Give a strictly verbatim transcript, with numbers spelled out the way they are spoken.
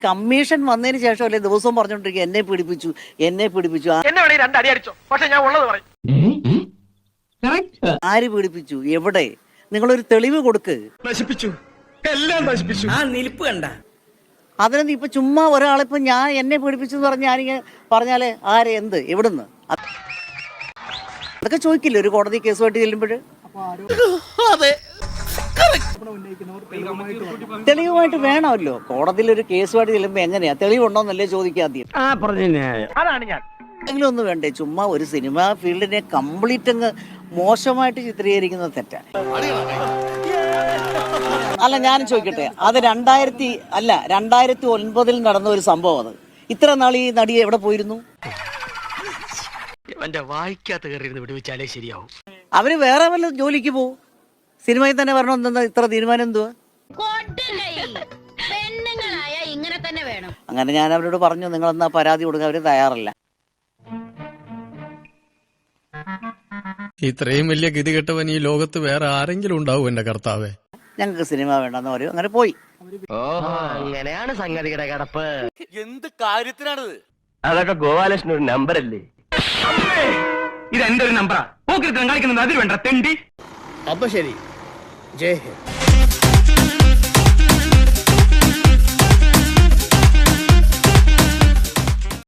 Commission വന്നതിന് ശേഷം അല്ലേ ദിവസവും പറഞ്ഞോണ്ടിരിക്കുക എന്നെ പീഡിപ്പിച്ചു എന്നെ പീഡിപ്പിച്ചു. ആര് പീഡിപ്പിച്ചു? എവിടെ? നിങ്ങളൊരു തെളിവ് കൊടുക്ക്. നശിപ്പിച്ചു, എല്ലാം നശിപ്പിച്ചു. ആ നിൽപ്പ് കണ്ട അതിനൊന്നും ഇപ്പൊ ചുമ്മാ ഒരാളിപ്പോ ഞാൻ എന്നെ പീഡിപ്പിച്ചു എന്ന് പറഞ്ഞ ഞാനിങ്ങനെ പറഞ്ഞാല് ആരെ എന്ത് എവിടുന്ന് അതൊക്കെ ചോദിക്കില്ല ഒരു കോടതി കേസുമായിട്ട് ചെല്ലുമ്പോൾ. തെളിവുമായിട്ട് വേണമല്ലോ കോടതിയിൽ ഒരു കേസുമായിട്ട് ചെല്ലുമ്പോ എങ്ങനെയാ തെളിവുണ്ടോന്നല്ലേ ചോദിക്കാദ്യം. എങ്കിലും ഒന്നും വേണ്ടേ? ചുമ്മാ ഒരു സിനിമാ ഫീൽഡിനെ കംപ്ലീറ്റ് അങ്ങ് മോശമായിട്ട് ചിത്രീകരിക്കുന്നത് തെറ്റാണ്. അല്ല ഞാൻ ചോദിക്കട്ടെ, അത് രണ്ടായിരത്തി അല്ല രണ്ടായിരത്തി ഒൻപതിൽ നടന്ന ഒരു സംഭവം. അത് ഇത്ര നാൾ ഈ നടി എവിടെ പോയിരുന്നു? അവര് വേറെ വല്ല ജോലിക്ക് പോവും, സിനിമയിൽ തന്നെ വരണമെന്ന് ഇത്ര തീരുമാനം എന്തുവാ? അങ്ങനെ ഞാൻ അവരോട് പറഞ്ഞു നിങ്ങൾ എന്നാ പരാതി കൊടുക്കാൻ. അവര് തയ്യാറല്ല. ഇത്രയും വലിയ ഗതികെട്ടവൻ ഈ ലോകത്ത് വേറെ ആരെങ്കിലും ഉണ്ടാവും എന്റെ കർത്താവേ. ഞങ്ങൾക്ക് സിനിമ വേണ്ടെന്ന് പറയും. അങ്ങനെ പോയി. അങ്ങനെയാണ് സംഗതിയുടെ കിടപ്പ്. എന്ത് കാര്യത്തിനാണിത്? അതൊക്കെ ഗോപാലകൃഷ്ണൻ ഒരു നമ്പർ അല്ലേ? ഇത് എന്റെ ഒരു നമ്പറാ. പോക്കിരുത്തം കളിക്കുന്നത് അതിൽ വേണ്ട തെണ്ടി. അപ്പൊ ശരി, ജയ് ഹിന്ദ്.